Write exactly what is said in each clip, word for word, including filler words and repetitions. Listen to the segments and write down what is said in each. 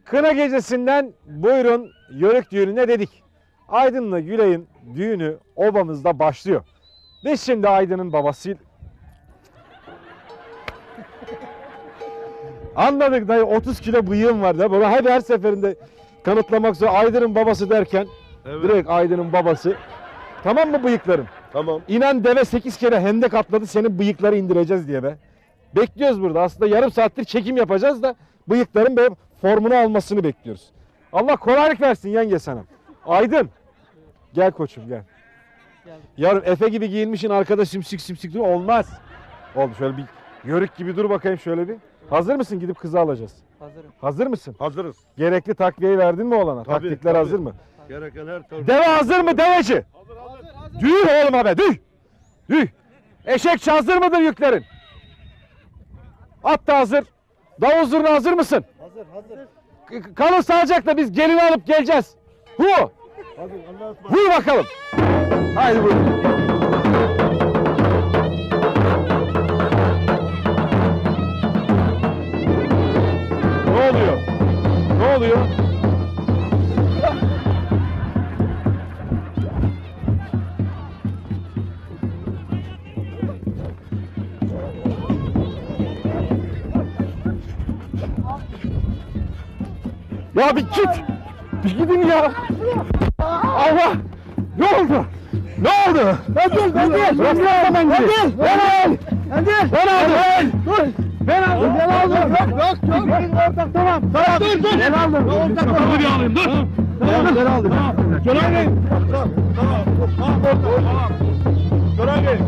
Kına gecesinden buyurun Yörük düğününe dedik. Aydın'la Gülay'ın düğünü obamızda başlıyor. Biz şimdi Aydın'ın babası... Anladık dayı, otuz kilo bıyığım var da baba hep her seferinde kanıtlamak zor. Aydın'ın babası derken Evet. direkt Aydın'ın babası. Tamam mı bıyıkların? Tamam. İnan deve sekiz kere hendek atladı, senin bıyıkları indireceğiz diye be. Bekliyoruz burada. Aslında yarım saattir çekim yapacağız da bıyıkların böyle formunu almasını bekliyoruz. Allah kolaylık versin yenge sana. Aydın. Gel koçum gel. Yarın Efe gibi giyinmişsin, arkada simsik simsik dur, olmaz. Oldu, şöyle bir yörük gibi dur bakayım şöyle bir. Hazır mısın, gidip kızı alacağız? Hazırım. Hazır mısın? Hazırız. Gerekli takviyeyi verdin mi oğlana? Tabii, Taktikler tabii. hazır mı? Gereken her türlü. Deve hazır mı deveci? Hazır hazır. hazır. Düğ oğlum abi, düğ. Düğ. Eşek hazır mıdır yüklerin? At da hazır. Davul zurna hazır mısın? Hazır hazır. K- Kalın sağlıcakla, biz gelini alıp geleceğiz. Hu. Hadi Allah'a ısmarladık. Hu bakalım. Haydi buyurun. Ne oluyor? Ne oluyor? Ya bir git. Bir gidin ya. Allah. Ne oldu? Ne oldu? Ben gel, ben gel. Bıraksana ben gel. Ben al. Ben gel. Ben aldım. Dur. Ben aldım. Ben aldım. Yok yok yok. Ortak tamam. Tamam. Dur dur. Ben aldım. Ortak tamam. Bir alayım dur. Tamam. Ben aldım. Kenan Bey. Tamam. Tamam. Tamam. Tamam. Gören Bey.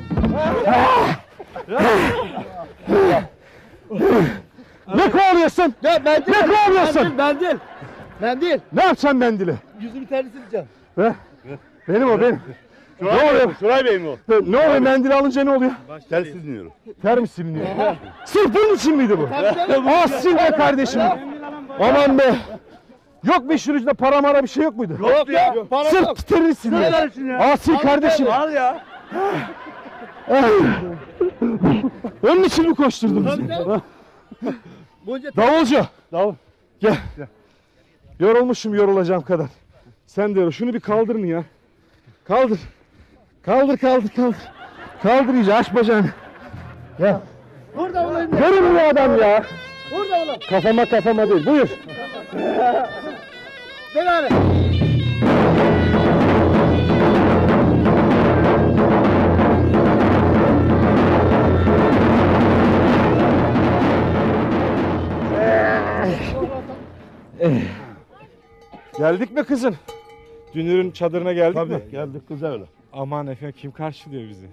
Ne kovalıyorsun? Ya mendil. Ne kovalıyorsun? Mendil. Mendil. Ne yapacaksın mendili? Yüzümü terli sileceğim. Be. Benim o benim. Ne oluyor? Şuray Bey mi o? Ne oluyor, mendili alınca ne oluyor? Telsiz dinliyorum. Ter mi siliniyor? Sırf bunun için miydi bu? canım. Ah sil be kardeşim. Aman be. Yok mu işin ucunda para mara bir şey yok muydu? Yok ya. Para yok. Sırf terini siliyor. Ah sil kardeşim. Al ya. Onun için mi koşturdun bizi? Bunca Davulcu. Davul. Gel. Yorulmuşum yorulacağım kadar. Sen de yorul. Şunu bir kaldırın ya. Kaldır. Kaldır kaldır kaldır. Kaldır iyice, aç bacağını. Gel. Burada olayım. Görün bu adam ya. Burada olayım. Kafama kafama değil. Buyur. Gel abi. Geldik mi kızım? Dünür'ün çadırına geldik mi? Tabii geldik kız öyle. Aman efendim, kim karşılıyor bizi?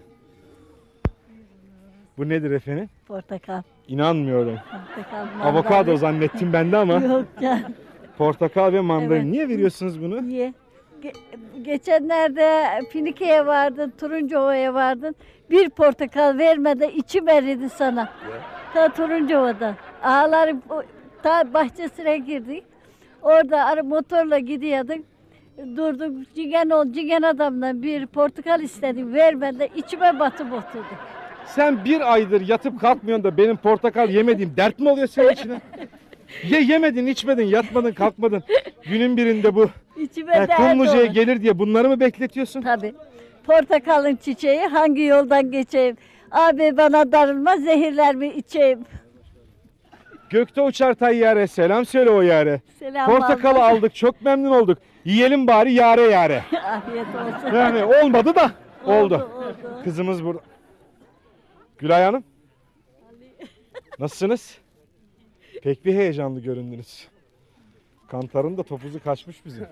Bu nedir efendim? Portakal. İnanmıyorum. Portakal. Avokado mandalina. zannettim ben de ama Yok ya. portakal ve mandalina. Evet. Niye veriyorsunuz bunu? Niye? Ge- geçenlerde Finike'ye vardın, Turuncuova'ya vardın. Bir portakal vermeden içim eridi sana. Ta Turuncuova'dan. Ağların o- ta bahçesine girdik. Orada ara motorla gidiyorduk. Durduk. Cingen ol, cingen adamdan bir portakal istedim. Vermeden içime batıp oturdu. Sen bir aydır yatıp kalkmıyorsun da benim portakal yemediğim dert mi oluyor senin içine? Ye yemedin, içmedin, yatmadın, kalkmadın. Günün birinde bu İçime yani dert Kumluca'ya oldu. gelir diye bunları mı bekletiyorsun? Tabii. Portakalın çiçeği, hangi yoldan geçeyim? Abi bana darılma, zehirler mi içeyim? Gökte uçar tayyare, selam söyle o yare. Selam Portakalı aldım. aldık, çok memnun olduk. Yiyelim bari yare yare. Afiyet olsun. Yani olmadı da oldu. Oldu, oldu. Kızımız burada. Gülay Hanım. Nasılsınız? Pek bir heyecanlı göründünüz. Kantarın da topuzu kaçmış bizim.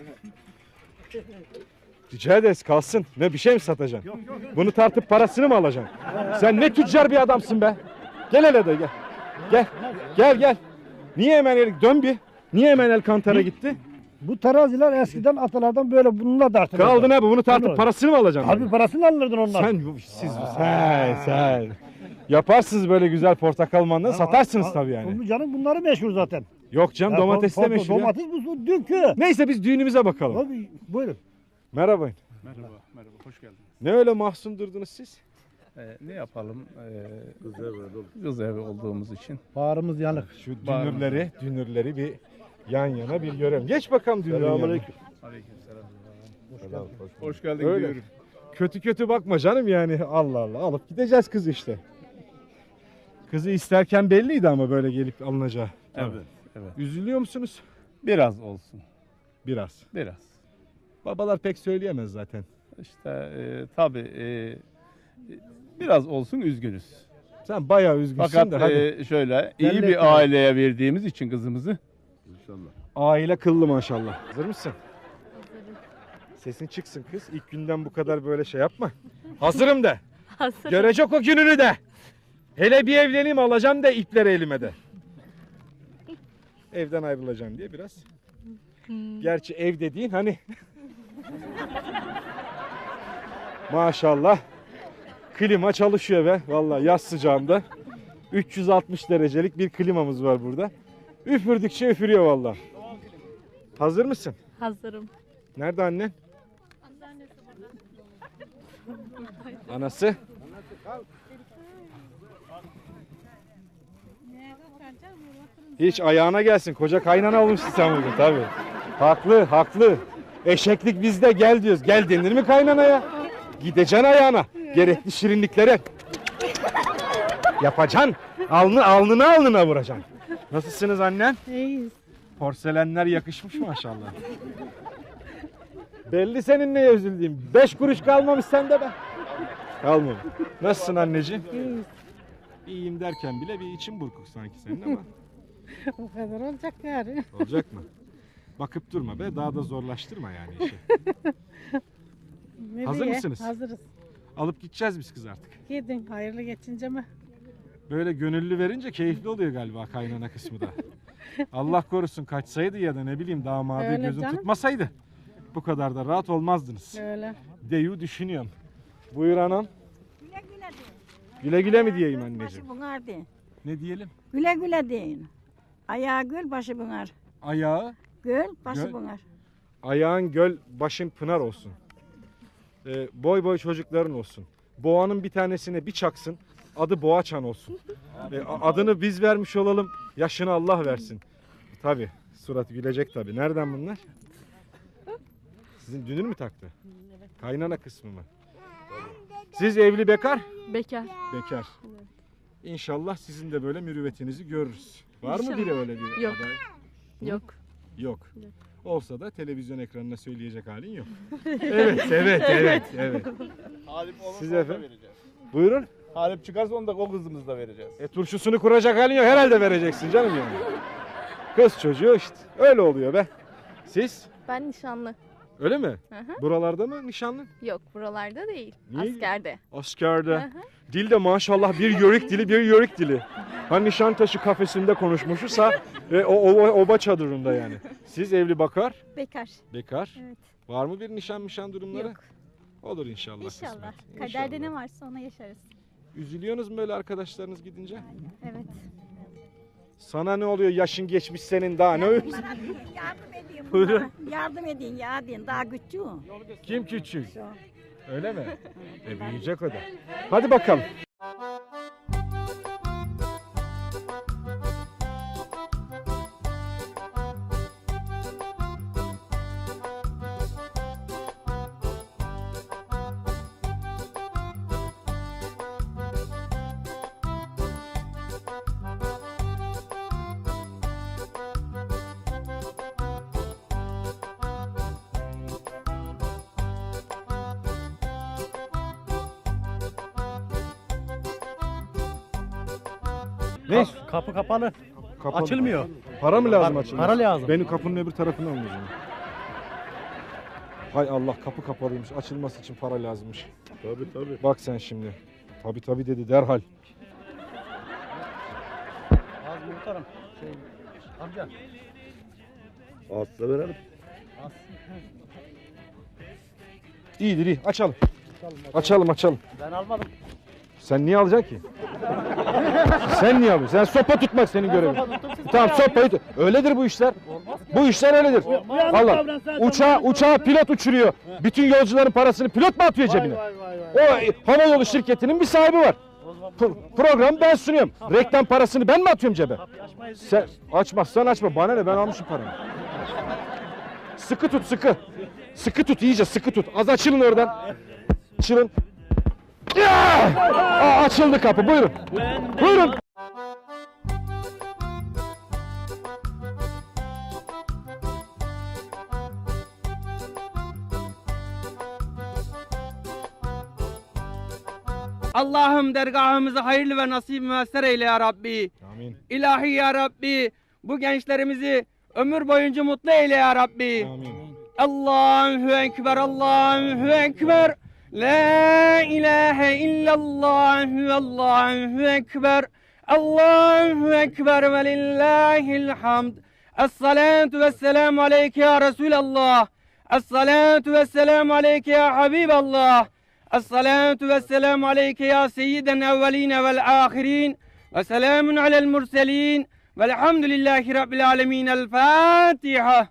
Rica ederiz, kalsın. Ne, bir şey mi satacaksın? Bunu tartıp parasını mı alacaksın? Sen ne tüccar bir adamsın be. Gel hele de gel. Gel. Gel gel. Niye hemen el, dön bir. Niye hemen el kantara gitti? Bu teraziler eskiden atalardan böyle bununla dartılırdı. Kaldı ne bu? Bunu tartıp Bunu- parasını mı alacaksın? Abi parasını alırdın onlar. Sen bu- siz sen sen yaparsınız böyle güzel portakal mandalina, satarsınız tabii yani. Bu canım bunları meşhur zaten. Yok canım, Ya, domates de pardon, meşhur ya. Domates bu dünkü. Neyse biz düğünümüze bakalım. Abi buyurun. Merhaba. Merhaba, merhaba, hoş geldiniz. Ne öyle mahzun durdunuz siz? Ee, ne yapalım? Ee, Kız evi. kız evi olduğumuz için. Bağrımız yanık. Şu Var mı? dünürleri, dünürleri bir yan yana bir görelim. Geç bakalım dünürün yanına. Selamünaleyküm. Aleykümselam. Hoş geldin Öyle. dünürüm. Kötü kötü bakma canım yani. Allah Allah. Alıp gideceğiz kızı işte. Kızı isterken belliydi ama böyle gelip alınacağı. Evet, evet. Üzülüyor musunuz? Biraz olsun. Biraz. Biraz. Babalar pek söyleyemez zaten. İşte e, tabii e, biraz olsun üzgünüz. Sen bayağı üzgünsün Fakat de hadi. e, şöyle iyi Belli bir etme. aileye verdiğimiz için kızımızı İnşallah. Aile kıllı maşallah. Hazır mısın? Sesin çıksın kız. İlk günden bu kadar böyle şey yapma. Hazırım de. Hazır. Görecek o gününü de. Hele bir evleneyim alacağım da ipleri elime de. Evden ayrılacağım diye biraz. Gerçi ev dediğin hani. Maşallah. Klima çalışıyor be. Vallahi yaz sıcağında. üç yüz altmış derecelik bir klimamız var burada. Üfürdükçe üfürüyor vallahi. Hazır mısın? Hazırım. Nerede annen? Anası? Hiç ayağına gelsin. Koca kaynana olmuşsun sen bugün tabii. Haklı, haklı. Eşeklik bizde, gel diyoruz. Gel denir mi kaynanaya? Gideceksin ayağına. Gerekli şirinliklere. Yapacaksın. Alnı, alnına alnına vuracaksın. Nasılsınız annen? İyiyiz. Porselenler yakışmış maşallah. Belli senin neye üzüldüğün. Beş kuruş kalmamış sende be. Kalmamış. Nasılsın anneciğim? İyiyiz. İyiyim derken bile bir için burkuk sanki senin ama. O kadar olacak yani. Olacak mı? Bakıp durma be. Daha da zorlaştırma yani işi. Ne Hazır diye? mısınız? Hazırız. Alıp gideceğiz biz kız artık. Gidin hayırlı geçince mi? Böyle gönüllü verince keyifli oluyor galiba kaynana kısmı da. Allah korusun kaçsaydı ya da ne bileyim damadı Öyle gözün canım. tutmasaydı. Bu kadar da rahat olmazdınız. Öyle. Deyu düşünüyorum. Buyur anam. Güle güle mi diyeyim anneciğim? Başı bunar de. Ne diyelim? Güle güle deyin. Ayağı göl, başı bunar. Ayağı, Göl, başı Göl. bunar. ayağın göl, başın pınar olsun. Ee, boy boy çocukların olsun. Boğanın bir tanesine bir çaksın. Adı Boğaçan olsun. Ee, a- adını biz vermiş olalım. Yaşını Allah versin. Tabi. Surat gülecek tabi. Nereden bunlar? Sizin dünür mü taktı? Kaynana kısmı mı? Siz evli bekar? Bekar. Bekar. İnşallah sizin de böyle mürüvvetinizi görürüz. Var mı İnşallah. biri öyle bir Yok. aday? Yok. Yok. Olsa da televizyon ekranına söyleyecek halin yok. Evet, evet, evet, evet. Halip olursa Siz onu da efendim? vereceğiz. Buyurun. Halip çıkarsa onu da o kızımızı da vereceğiz. E turşusunu kuracak halin yok. Herhalde vereceksin canım yani. Kız çocuğu işte. Öyle oluyor be. Siz? Ben nişanlı. Öyle mi? Hı hı. Buralarda mı nişanlın? Yok buralarda değil. Niye? Askerde. Askerde. Hı hı. Dil de maşallah bir yörük dili, bir yörük dili. Hani Nişantaşı kafesinde konuşmuşsa e, o, o oba çadırında yani. Siz evli bakar, Bekar. bekar. Evet. Var mı bir nişan mişan durumları? Yok. Olur inşallah. İnşallah. kısmet. Kaderde İnşallah. ne varsa ona yaşarız. Üzülüyorsunuz mu böyle arkadaşlarınız gidince? Evet. Sana ne oluyor yaşın geçmiş senin daha ne öyle? Yardım edin Buyurun. bunlara. Yardım edin ya deyin. Daha küçük. Kim küçük? Öyle mi? E büyüyecek o da. Hadi bakalım. Ne? Kapı kapalı. Kapalı. Açılmıyor. Para mı lazım Para- açılması? para lazım. Benim kapının öbür tarafını alın o zaman. Hay Allah kapı kapalıymış. Açılması için para lazımmış. Tabii tabii. Bak sen şimdi. Tabi tabi dedi derhal. Az muhtarım. Şey, amca. Asla verelim. İyidir iyi. Açalım. Açalım açalım. Ben almadım. Sen niye alacaksın ki? Sen niye alıyorsun? Sen sopa tutmak senin görevin. Tamam sopayı tut. Öyledir bu işler. Bu işler öyledir. Allah. Uçağı, uçağı pilot uçuruyor. Bütün yolcuların parasını pilot mu atıyor cebine? Vay vay vay. O havayolu şirketinin bir sahibi var. Pro- programı ben sunuyorum. Reklam parasını ben mi atıyorum cebe? Sen açmazsan açma. Bana ne, ben almışım paramı. Sıkı tut, sıkı. Sıkı tut, iyice sıkı tut. Az açılın oradan. Açılın. Ya! Aa, açıldı kapı. Buyurun. Buyurun. Allah'ım dergahımızı hayırlı ve nasip müessir eyle ya Rabbi. Amin. İlahi ya Rabbi, bu gençlerimizi ömür boyunca mutlu eyle ya Rabbi. Amin. Allahu Ekber, Allahu Ekber. La ilahe illallah, Allahu Ekber. Allahu Ekber ve lillahil hamd. Es-salatu vesselamu aleyke ya Resulallah. Es-salatu vesselamu aleyke ya Habiballah. Es-salatu vesselamu aleyke ya seyyiden evveline vel ahirin. Ve selamun alel murselin. Velhamdülillahi Rabbil alemin. El Fatiha.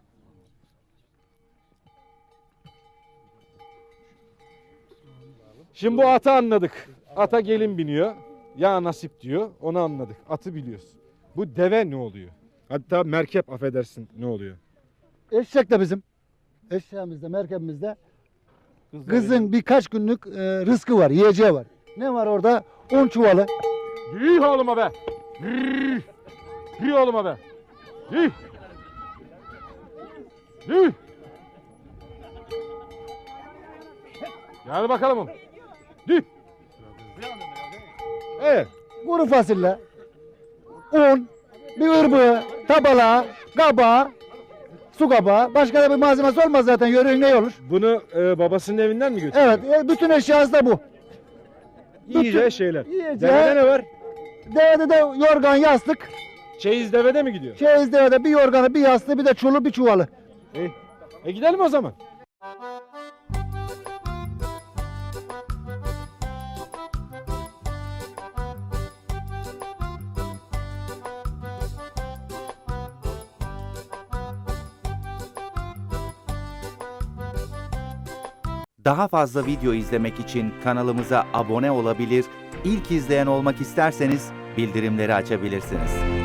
Şimdi bu atı anladık. Ata gelin biniyor. Ya nasip diyor. Onu anladık. Atı biliyoruz. Bu deve ne oluyor? Hatta merkep, affedersin, ne oluyor? Eşek de bizim. Eşeğimizde, merkebimizde kızın birkaç günlük e, rızkı var, yiyeceği var. Ne var orada? Un çuvalı. Yürü oğluma be. Yürü. Yürü oğluma be. Yürü. Yürü. Gel bakalım. Yürü. Evet. Kuru fasulye, un, bir ırbığı, tabala, kabağı, su kabağı. Başka da bir malzemesi olmaz zaten. Yörüğün ne olur? Bunu e, babasının evinden mi götürüyor? Evet, e, bütün eşyası da bu. Yiyeceği şeyler. Yiyeceği- Devede ne var? Devede de yorgan, yastık. Çeyiz devede mi gidiyor? Çeyiz devede bir yorganı, bir yastığı, bir de çulu, bir çuvalı. E, e gidelim o zaman. Daha fazla video izlemek için kanalımıza abone olabilir, ilk izleyen olmak isterseniz bildirimleri açabilirsiniz.